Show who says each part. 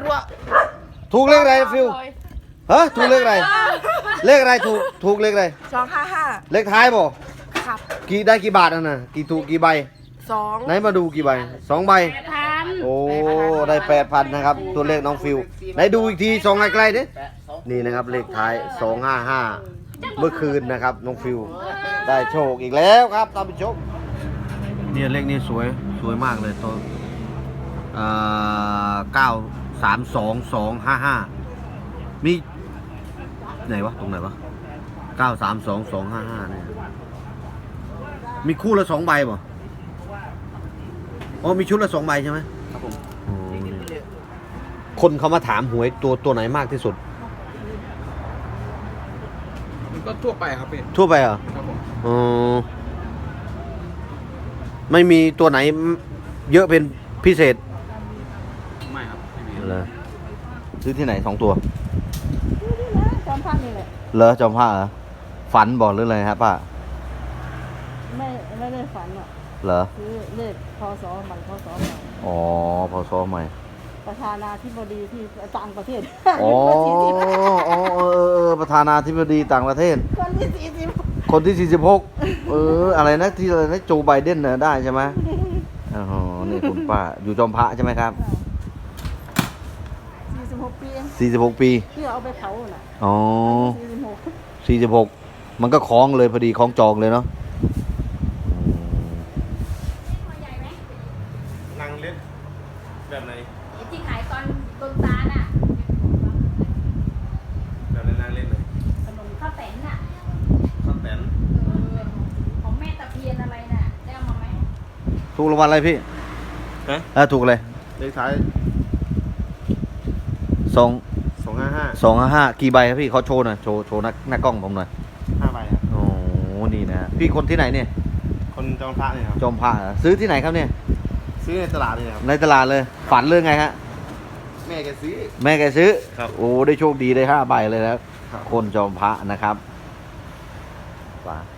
Speaker 1: ถูกเลขอะไรฟิวฮะถูกเลขอะไรเลขอะไรถูกเลขอะไร
Speaker 2: 255
Speaker 1: เลขท้ายบ่
Speaker 2: ครับ
Speaker 1: กี่ได้กี่บาทน่ะกี่ถูกกี่ใบ
Speaker 2: 2
Speaker 1: ไหนมาดูกี่ใบ2 ใบโอ้ได้8,000นะครับตัวเลขน้องฟิวไหนดูอีกที2ใกล้ๆดินี่นะครับเลขท้าย255เมื่อคืนนะครับน้องฟิวได้โชคอีกแล้วครับท่านผู้ชมเนี่ยเลขนี้สวยมากเลยตัว932255มีไหนวะตรงไหนวะ932255เนี่ยมีคู่ละ2 ใบป่ะอ๋อมีชุดละ2 ใบใช่ไหมครับผมคนเขามาถามหวยตัวไหนมากที่สุด
Speaker 3: มันก็ทั่วไปครับพี่
Speaker 1: ทั่วไปเหรอ
Speaker 3: ครับผม
Speaker 1: อ๋อไม่มีตัวไหนเยอะเป็นพิเศษ
Speaker 3: ไม่ครับไม่มี
Speaker 1: เลยซื้อที่ไหน2 ตัว
Speaker 2: จอมพระนี่แหละ
Speaker 1: เหรอจอมผ้าเหรอฝันบอกหรืออะไรครับป้า
Speaker 2: ไม่ได้ฝันหรอก
Speaker 1: เหรอ
Speaker 2: ซื้อเลขพศใหม่พศใหม่
Speaker 1: อ๋อพศใหม่
Speaker 2: ประธานาธิบดีที่ต่างประเทศ
Speaker 1: อ๋อประธานาธิบดีต่างประเทศคนที่46อะไรนะที่อะไรนะโจไบเดนน่ะได้ใช่ไหมอ๋อนี่คุณป้าอยู่จอมพระใช่ไหมครับ
Speaker 2: 46 ปี
Speaker 1: 46 ปี
Speaker 2: ที่เอาไปเผาน่ะ
Speaker 1: อ๋อ46มันก็คล้องเลยพอดีคล้องจองเลยเนาะ
Speaker 3: นางเล็กแบบไหน
Speaker 4: ที่ขายตอนต้นตาลน่ะ
Speaker 3: แบบไหนนางเล็กเลย
Speaker 4: ขนมข้าวแตนน่ะ
Speaker 3: ข้าวแตน
Speaker 4: ของแม่ตะเพียนอะไรน่ะได้เอามาไหม
Speaker 1: ถูกรางวัลอะไรพี่ถูกเลย
Speaker 3: เลขท้าย
Speaker 1: 255กี่ใบครับพี่เขาโชว์หน่อยโชว์หน้ากล้องผมหน่อย
Speaker 3: 5 ใบครับ
Speaker 1: โอ้นี่นะพี่คนที่ไหนเนี่ย
Speaker 3: คนจอมพระเนี่ยครับ
Speaker 1: จอมพระซื้อที่ไหนครับเนี่ย
Speaker 3: ซื้อในตลาดเลยครับ
Speaker 1: ในตลาดเลยฝันเรื่องไงฮะ
Speaker 3: แม่แก
Speaker 1: ซื้อ
Speaker 3: ครับ
Speaker 1: โอ้ได้โชคดีได้5 ใบเลยแล้วคนจอมพระนะครับ